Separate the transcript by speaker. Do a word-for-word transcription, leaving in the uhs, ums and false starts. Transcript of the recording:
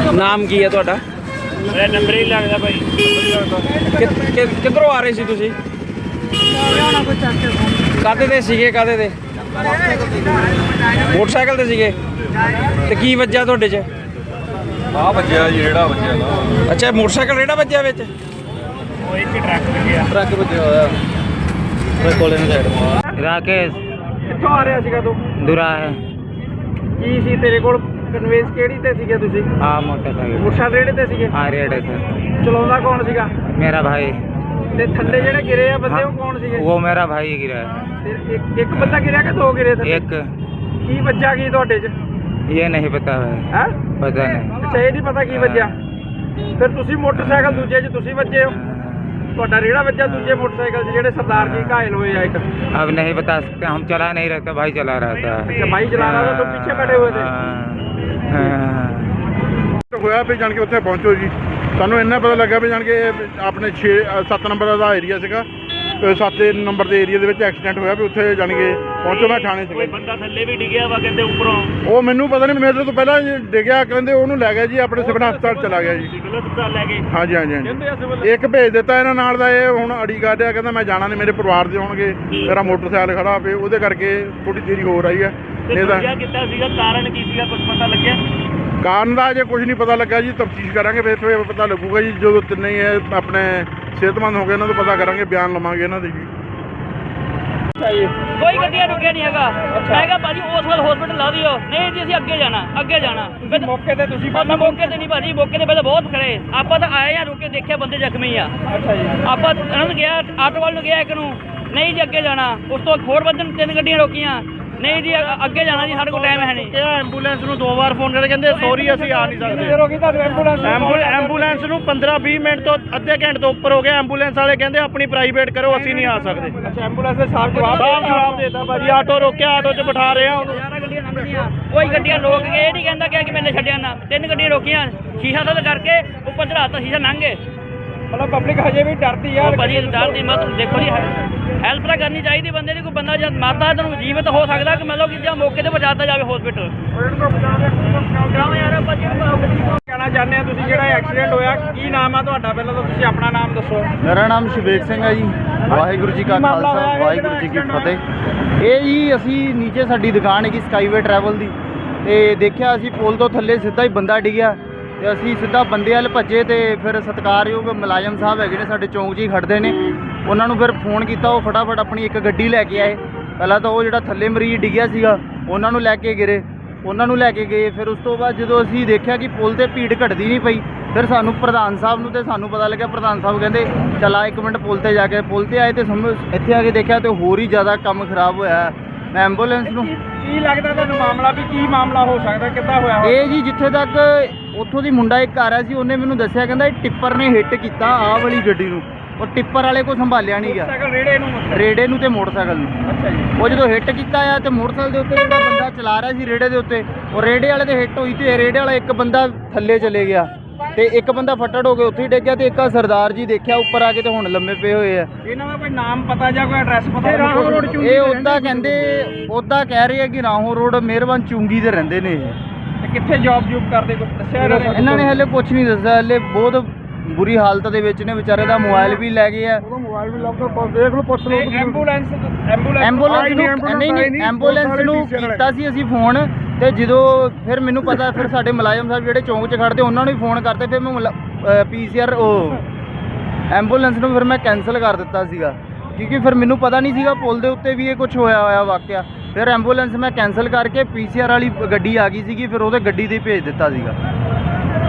Speaker 1: ਨਾਮ ਕੀ ਹੈ ਤੁਹਾਡਾ?
Speaker 2: ਮੇਰਾ ਨੰਬਰ ਹੀ ਲੱਗਦਾ ਭਾਈ।
Speaker 1: ਕਿੱਧਰੋਂ ਆ ਰਹੇ ਸੀ ਤੁਸੀਂ? ਕਾਹਦੇ ਤੇ ਸੀਗੇ? ਕਾਹਦੇ ਤੇ? ਮੋਟਰਸਾਈਕਲ ਤੇ ਸੀਗੇ। ਤੇ ਕੀ ਵੱਜਿਆ ਤੁਹਾਡੇ 'ਚ?
Speaker 3: ਆ ਵੱਜਿਆ ਜੀ, ਰੇੜਾ ਵੱਜਿਆ ਨਾ।
Speaker 1: ਅੱਛਾ, ਮੋਟਰਸਾਈਕਲ ਰੇੜਾ ਵੱਜਿਆ ਵਿੱਚ?
Speaker 2: ਉਹ ਇੱਕ ਟਰੱਕ ਲੱਗਿਆ।
Speaker 3: ਟਰੱਕ ਵੱਜਿਆ ਹੋਇਆ ਕੋਲੇ ਨੂੰ ਸਾਈਡ।
Speaker 4: राकेश
Speaker 1: ਕਿੱਥੋਂ ਆ ਰਿਹਾ ਸੀਗਾ ਤੂੰ?
Speaker 4: दुरा है।
Speaker 1: ਕੀ ਸੀ ਤੇਰੇ ਕੋਲ? ਕਨਵੇਂਸ ਕਿਹੜੀ ਤੇ ਸੀਗੇ ਤੁਸੀਂ?
Speaker 4: हाँ मोटरसाइकिल।
Speaker 1: ਮੋਟਰਸਾਈਕਲ ਰੇੜੇ ਤੇ ਸੀਗੇ?
Speaker 4: हाँ रेड है सर।
Speaker 1: ਚਲਾਉਂਦਾ ਕੌਣ ਸੀਗਾ?
Speaker 4: मेरा भाई।
Speaker 1: ਤੇ ਥੱਲੇ ਜਿਹੜੇ ਗਿਰੇ ਆ ਬੰਦੇ
Speaker 4: हाँ,
Speaker 1: ਉਹ ਕੌਣ ਸੀਗੇ?
Speaker 4: वो मेरा भाई ही गिरा है।
Speaker 1: ਤੇ ਇੱਕ ਇੱਕ ਬੰਦਾ ਗਿਰਿਆ ਕਿ ਦੋ ਗਿਰੇ ਥੱਲੇ?
Speaker 4: एक
Speaker 1: ਕੀ ਵੱਜਾ ਕੀ ਤੁਹਾਡੇ 'ਚ?
Speaker 4: ये नहीं पता है।
Speaker 1: ਹੈ
Speaker 4: पता नहीं।
Speaker 1: ਅੱਛਾ, ਇਹ ਨਹੀਂ ਪਤਾ ਕੀ ਵੱਜਿਆ। ਫਿਰ ਤੁਸੀਂ ਮੋਟਰਸਾਈਕਲ ਦੂਜੇ 'ਚ ਤੁਸੀਂ ਵੱਜੇ ਹੋ, ਤੁਹਾਡਾ ਰੇੜਾ ਵੱਜਾ ਦੂਜੇ ਮੋਟਰਸਾਈਕਲ 'ਚ ਜਿਹੜੇ ਸਰਦਾਰ ਜੀ ਘਾਇਲ ਹੋਏ ਆ ਇੱਕ।
Speaker 4: अब नहीं बता सकते, हम चला नहीं रहता, भाई चला रहा था।
Speaker 1: अच्छा, भाई चला रहा था, तो पीछे बैठे हुए थे।
Speaker 4: हाँ, हाँ।
Speaker 5: ਹੋਇਆ ਵੀ ਜਾਣ ਕੇ ਉੱਥੇ ਪਹੁੰਚੋ ਜੀ। ਸਾਨੂੰ ਇੰਨਾ ਪਤਾ ਲੱਗਾ ਵੀ ਜਾਣ ਕੇ ਆਪਣੇ ਛੇ ਸੱਤ ਨੰਬਰ ਦਾ ਏਰੀਆ ਸੀਗਾ, ਸੱਤ ਨੰਬਰ ਦੇ ਏਰੀਆ ਦੇ ਵਿੱਚ ਐਕਸੀਡੈਂਟ ਹੋਇਆ ਵੀ ਉੱਥੇ ਜਾਣ ਕੇ ਪਹੁੰਚੋ। ਮੈਂ ਥਾਣੇ
Speaker 2: ਕੋਈ
Speaker 5: ਸੀਗਾ।
Speaker 2: ਬੰਦਾ ਥੱਲੇ ਵੀ ਡਿੱਗਿਆ ਵਾ ਕਹਿੰਦੇ ਉੱਪਰੋਂ।
Speaker 5: ਉਹ ਮੈਨੂੰ ਪਤਾ ਨਹੀਂ, ਮੇਰੇ ਤੋਂ ਪਹਿਲਾਂ ਡਿੱਗਿਆ ਕਹਿੰਦੇ, ਉਹਨੂੰ ਲੈ ਗਿਆ ਜੀ ਆਪਣੇ ਸਿਵਲ ਹਸਪਤਾਲ ਚਲਾ ਗਿਆ ਜੀ।
Speaker 2: ਸਿਵਲ ਹਸਪਤਾਲ ਲੈ ਗਏ।
Speaker 5: ਹਾਂਜੀ ਹਾਂਜੀ ਹਾਂਜੀ। ਇੱਕ ਭੇਜ ਦਿੱਤਾ ਇਹਨਾਂ ਨਾਲ ਦਾ, ਇਹ ਹੁਣ ਅੜੀ ਕਰ ਰਿਹਾ, ਕਹਿੰਦਾ ਮੈਂ ਜਾਣਾ ਨਹੀਂ, ਮੇਰੇ ਪਰਿਵਾਰ ਦੇ ਹੋਣਗੇ, ਮੇਰਾ ਮੋਟਰਸਾਈਕਲ ਖੜਾ ਪਏ, ਉਹਦੇ ਕਰਕੇ ਥੋੜੀ ਦੇਰੀ ਹੋ ਰਹੀ ਹੈ।
Speaker 2: ਤੇ
Speaker 5: ਨਹੀਂ ਤਾਂ
Speaker 2: ਦੂਜਾ ਕਿੱਦਾਂ ਸੀਗਾ? ਕਾਰਨ ਕੀ ਸੀਗਾ? ਕੁਝ ਪਤਾ ਲੱਗਿਆ?
Speaker 5: ਕਾਰਨ ਦਾ ਅਜੇ ਕੁਝ ਨਹੀਂ ਪਤਾ ਲੱਗਾ ਜੀ। ਤਫਤੀਸ਼ ਕਰਾਂਗੇ, ਫਿਰ ਫਿਰ ਪਤਾ ਲੱਗੂਗਾ ਜੀ। ਜਦੋਂ ਤਿੰਨੇ ਹੀ ਇਹ ਆਪਣੇ ਸਿਹਤਮੰਦ ਹੋ ਗਏ ਇਹਨਾਂ ਤੋਂ ਪਤਾ ਕਰਾਂਗੇ, ਬਿਆਨ ਲਵਾਂਗੇ ਇਹਨਾਂ ਦੇ ਜੀ।
Speaker 6: ਕੋਈ ਗੱਡੀਆਂ ਰੁਕਿਆ ਨਹੀਂ ਹੈਗਾ। ਮੈਂ ਕਿਹਾ ਭਾਜੀ ਉਸ ਵਾਲ ਹਸਪੀਟਲ ਲਾ ਦਿਓ। ਨਹੀਂ ਜੀ ਅਸੀਂ ਅੱਗੇ ਜਾਣਾ, ਅੱਗੇ ਜਾਣਾ। ਫਿਰ
Speaker 1: ਮੌਕੇ ਤੇ ਤੁਸੀਂ
Speaker 6: ਆਪਾਂ ਮੌਕੇ ਤੇ ਨਹੀਂ ਭਾਜੀ, ਮੌਕੇ ਤੇ ਪਹਿਲਾਂ ਬਹੁਤ ਖੜੇ। ਆਪਾਂ ਤਾਂ ਆਏ ਆ, ਰੁਕੇ ਦੇਖਿਆ ਬੰਦੇ ਜ਼ਖਮੀ ਆ।
Speaker 1: ਅੱਛਾ ਜੀ।
Speaker 6: ਆਪਾਂ ਇਹਨਾਂ ਨੂੰ ਗਿਆ, ਆਟੋ ਵਾਲ ਨੂੰ ਗਿਆ ਇੱਕ ਨੂੰ, ਨਹੀਂ ਜੀ ਅੱਗੇ ਜਾਣਾ। ਉਸ ਤੋਂ ਹੋਰ ਵੱਧਣ ਤਿੰਨ ਗੱਡੀਆਂ ਰੋਕੀਆਂ, ਨਹੀਂ ਜੀ ਅ- ਅੱਗੇ ਜਾਣਾ ਜੀ, ਸਾਡੇ ਕੋਲ ਟਾਈਮ ਹੈ ਨਹੀਂ।
Speaker 2: ਕਿਹਾ ਐਂਬੂਲੈਂਸ ਨੂੰ ਦੋ ਵਾਰ ਫੋਨ ਕਰਕੇ ਕਹਿੰਦੇ ਸੌਰੀ ਅਸੀਂ ਆ ਨਹੀਂ ਸਕਦੇ।
Speaker 1: ਰੋਕੀ ਤੁਹਾਨੂੰ ਐਂਬੂਲੈਂਸ?
Speaker 2: ਐਂਬੂਲੈਂਸ ਨੂੰ ਪੰਦਰਾਂ ਵੀਹ ਮਿੰਟ ਤੋਂ ਅੱਧੇ ਘੰਟੇ ਤੋਂ ਉੱਪਰ ਹੋ ਗਿਆ। ਐਂਬੂਲੈਂਸ ਵਾਲੇ ਕਹਿੰਦੇ ਆਪਣੀ ਪ੍ਰਾਈਵੇਟ ਕਰੋ, ਅਸੀਂ ਨਹੀਂ ਆ ਸਕਦੇ।
Speaker 1: ਅੱਛਾ, ਐਂਬੂਲੈਂਸ ਦੇ ਸਾਫ ਜਵਾਬ
Speaker 2: ਸਾਫ਼ ਜਵਾਬ ਦੇਤਾ ਭਾਜੀ। ਆਟੋ ਰੋਕਿਆ, ਆਟੋ 'ਚ ਬਿਠਾ ਰਹੇ ਆ ਉਹਨੂੰ।
Speaker 6: ਗਿਆਰਾਂ ਗੱਡੀਆਂ ਲੰਘਦੀਆਂ, ਕੋਈ ਗੱਡੀਆਂ ਰੋਕ ਕੇ ਇਹ ਨਹੀਂ ਕਹਿੰਦਾ ਕਿ ਮੈਨੇ ਛੱਡਿਆ ਨਾ। ਤਿੰਨ ਗੱਡੀਆਂ ਰੋਕੀਆਂ, ਸ਼ੀਸ਼ਾ ਤਾਂ ਕਰਕੇ ਉੱਪਰ ਚੜਾਤਾ, ਸ਼ੀਸ਼ਾ ਲੰਘ ਗਏ।
Speaker 1: ਮਤਲਬ ਪਬਲਿਕ ਹਜੇ ਵੀ ਡਰਦੀ ਆ।
Speaker 6: ਉਹ ਭਾਜੀ ਡਰ ਦੀ ਮਤ ਦੇਖੋ ਜੀ, ਹੈਲਪ ਤਾਂ ਕਰਨੀ ਚਾਹੀਦੀ ਬੰਦੇ ਦੀ। ਕੋਈ ਬੰਦਾ ਜਦ ਮਾਰਦਾ ਤੈਨੂੰ ਜੀਵਤ ਹੋ ਸਕਦਾ ਕਿ ਮਤਲਬ ਕਿ ਜਾਂ ਮੌਕੇ ਤੇ ਪਹੁੰਚਾਤਾ ਜਾਵੇ ਹਸਪੀਟਲ।
Speaker 1: ਕਹਿਣਾ ਚਾਹੁੰਦੇ ਆ ਤੁਸੀਂ, ਜਿਹੜਾ ਐਕਸੀਡੈਂਟ ਹੋਇਆ, ਕੀ ਨਾਮ ਆ ਤੁਹਾਡਾ? ਪਹਿਲਾਂ ਤਾਂ ਤੁਸੀਂ ਆਪਣਾ ਨਾਮ ਦੱਸੋ।
Speaker 7: ਮੇਰਾ ਨਾਮ ਸ਼ਿਵੇਕ ਸਿੰਘ ਹੈ ਜੀ। ਵਾਹਿਗੁਰੂ ਜੀ ਕਾ ਖਾਲਸਾ, ਵਾਹਿਗੁਰੂ ਜੀ ਕੀ ਫਤਿਹ। ਇਹ ਜੀ ਅਸੀਂ ਨੀਚੇ ਸਾਡੀ ਦੁਕਾਨ ਹੈਗੀ ਸਕਾਈਵੇ ਟਰੈਵਲ ਦੀ, ਤੇ ਦੇਖਿਆ ਅਸੀਂ ਪੁਲ ਤੋਂ ਥੱਲੇ ਸਿੱਧਾ ਹੀ ਬੰਦਾ ਡਿੱਗਿਆ, ਤੇ ਅਸੀਂ ਸਿੱਧਾ ਬੰਦੇ ਵੱਲ ਭੱਜੇ। ਤੇ ਫਿਰ ਸਤਿਕਾਰਯੋਗ ਮੁਲਾਜ਼ਮ ਸਾਹਿਬ ਹੈਗੇ ਨੇ ਸਾਡੇ ਚੌਂਕ 'ਚ ਹੀ ਖੜਦੇ ਨੇ, ਉਹਨਾਂ ਨੂੰ ਫਿਰ ਫੋਨ ਕੀਤਾ। ਉਹ ਫਟਾਫਟ ਆਪਣੀ ਇੱਕ ਗੱਡੀ ਲੈ ਕੇ ਆਏ। ਪਹਿਲਾਂ ਤਾਂ ਉਹ ਜਿਹੜਾ ਥੱਲੇ ਮਰੀਜ਼ ਡਿੱਗਿਆ ਸੀਗਾ ਉਹਨਾਂ ਨੂੰ ਲੈ ਕੇ ਗਿਰੇ, ਉਹਨਾਂ ਨੂੰ ਲੈ ਕੇ ਗਏ। ਫਿਰ ਉਸ ਤੋਂ ਬਾਅਦ ਜਦੋਂ ਅਸੀਂ ਦੇਖਿਆ ਕਿ ਪੁਲ 'ਤੇ ਭੀੜ ਘਟਦੀ ਨਹੀਂ ਪਈ, ਫਿਰ ਸਾਨੂੰ ਪ੍ਰਧਾਨ ਸਾਹਿਬ ਨੂੰ ਤੇ ਸਾਨੂੰ ਪਤਾ ਲੱਗਿਆ। ਪ੍ਰਧਾਨ ਸਾਹਿਬ ਕਹਿੰਦੇ ਚਲਾ ਇੱਕ ਮਿੰਟ ਪੁਲ 'ਤੇ ਜਾ ਕੇ। ਪੁਲ 'ਤੇ ਆਏ ਤੇ ਸਮਝ ਇੱਥੇ ਆ ਕੇ ਦੇਖਿਆ ਤੇ ਹੋਰ ਹੀ ਜ਼ਿਆਦਾ ਕੰਮ ਖਰਾਬ ਹੋਇਆ। ਮੈਂ ਐਂਬੂਲੈਂਸ ਨੂੰ
Speaker 1: ਕੀ ਲੱਗਦਾ ਤੁਹਾਨੂੰ ਮਾਮਲਾ ਵੀ ਕੀ ਮਾਮਲਾ ਹੋ ਸਕਦਾ? ਕਿੱਦਾਂ ਹੋਇਆ?
Speaker 7: ਇਹ ਜੀ ਜਿੱਥੇ ਤੱਕ ਉੱਥੋਂ ਦੀ ਮੁੰਡਾ ਇੱਕ ਆ ਰਿਹਾ ਸੀ, ਉਹਨੇ ਮੈਨੂੰ ਦੱਸਿਆ, ਕਹਿੰਦਾ ਇਹ ਟਿੱਪਰ ਨੇ ਹਿੱਟ ਕੀਤਾ ਆਹ ਵਾਲੀ ਗੱਡੀ ਨੂੰ, ਉਹ ਟਿੱਪਰ ਵਾਲੇ ਕੋਲ ਸੰਭਾਲਿਆ ਨਹੀਂ ਗਿਆ,
Speaker 1: ਮੋਟਰਸਾਈਕਲ ਰੇੜੇ ਨੂੰ?
Speaker 7: ਰੇੜੇ ਨੂੰ ਤੇ ਮੋਟਰਸਾਈਕਲ ਨੂੰ।
Speaker 1: ਅੱਛਾ ਜੀ।
Speaker 7: ਉਹ ਜਦੋਂ ਹਿੱਟ ਕੀਤਾ ਆ ਤੇ ਮੋਟਰਸਾਈਕਲ ਦੇ ਉੱਤੇ ਜਿਹੜਾ ਬੰਦਾ ਚਲਾ ਰਿਹਾ ਸੀ ਰੇੜੇ ਦੇ ਉੱਤੇ, ਉਹ ਰੇੜੇ ਵਾਲੇ ਦੇ ਹਿੱਟ ਹੋਈ ਤੇ ਰੇੜੇ ਵਾਲਾ ਇੱਕ ਬੰਦਾ ਥੱਲੇ ਚਲੇ ਗਿਆ ਤੇ ਇੱਕ ਬੰਦਾ ਫੱਟੜ ਹੋ ਕੇ ਉੱਥੇ ਹੀ ਡਿੱਗ ਗਿਆ। ਤੇ ਇੱਕ ਸਰਦਾਰ ਜੀ ਦੇਖਿਆ ਉੱਪਰ ਆ ਕੇ ਤੇ ਹੁਣ ਲੰਮੇ ਪਏ ਹੋਏ ਆ।
Speaker 1: ਇਹਨਾਂ ਦਾ ਕੋਈ ਨਾਮ ਪਤਾ ਜਾਂ ਕੋਈ ਐਡਰੈਸ ਪਤਾ? ਰਾਹੋਂ ਰੋਡ ਚ
Speaker 7: ਇਹ ਉੱਦਾਂ ਕਹਿੰਦੇ, ਉੱਦਾਂ ਕਹਿ ਰਹੇ ਆ ਕਿ ਰਾਹੋਂ ਰੋਡ ਮਿਹਰਬਾਨ ਚੁੰਗੀ ਤੇ ਰਹਿੰਦੇ ਨੇ ਇਹ।
Speaker 1: ਤੇ ਕਿੱਥੇ ਜੌਬ ਜੂਬ ਕਰਦੇ, ਕੁਝ ਦੱਸਿਆ ਇਹਨਾਂ ਨੇ?
Speaker 7: ਇਹਨਾਂ ਨੇ ਹਲੇ ਕੁਝ ਨਹੀਂ ਦੱਸਿਆ। ਹਲੇ ਬਹੁਤ ਬੁਰੀ ਹਾਲਤ ਦੇ ਵਿੱਚ ਨੇ, ਵਿਚਾਰੇ ਦਾ ਮੋਬਾਈਲ ਵੀ ਲੈ ਗਏ ਆ।
Speaker 5: ਮੋਬਾਈਲ ਵੀ ਲੱਭਦਾ, ਦੇਖ ਲਓ, ਪੁੱਛ ਲਓ।
Speaker 1: ਐਂਬੂਲੈਂਸ ਐਂਬੂਲੈਂਸ
Speaker 7: ਐਂਬੂਲੈਂਸ ਨੂੰ ਨਹੀਂ ਨਹੀਂ ਐਂਬੂਲੈਂਸ ਨੂੰ ਕੀਤਾ ਸੀ ਅਸੀਂ ਫੋਨ, ਤੇ ਜਦੋਂ ਫਿਰ ਮੈਨੂੰ ਪਤਾ, ਫਿਰ ਸਾਡੇ ਮੁਲਾਜ਼ਮ ਸਾਹਿਬ ਜਿਹੜੇ ਚੌਂਕ 'ਚ ਖੜਦੇ ਉਹਨਾਂ ਨੂੰ ਵੀ ਫੋਨ ਕਰਤੇ। ਫਿਰ ਮੈਂ ਪੀ ਸੀ ਆਰ ਉਹ ਐਂਬੂਲੈਂਸ ਨੂੰ ਫਿਰ ਮੈਂ ਕੈਂਸਲ ਕਰ ਦਿੱਤਾ ਸੀਗਾ, ਕਿਉਂਕਿ ਫਿਰ ਮੈਨੂੰ ਪਤਾ ਨਹੀਂ ਸੀਗਾ ਪੁਲ ਦੇ ਉੱਤੇ ਵੀ ਇਹ ਕੁਝ ਹੋਇਆ ਹੋਇਆ ਵਾਕਿਆ। ਫਿਰ ਐਂਬੂਲੈਂਸ ਮੈਂ ਕੈਂਸਲ ਕਰਕੇ ਪੀ ਸੀ ਆਰ ਵਾਲੀ ਗੱਡੀ ਆ ਗਈ ਸੀਗੀ, ਫਿਰ ਉਹਦੇ ਗੱਡੀ 'ਤੇ ਭੇਜ ਦਿੱਤਾ ਸੀਗਾ।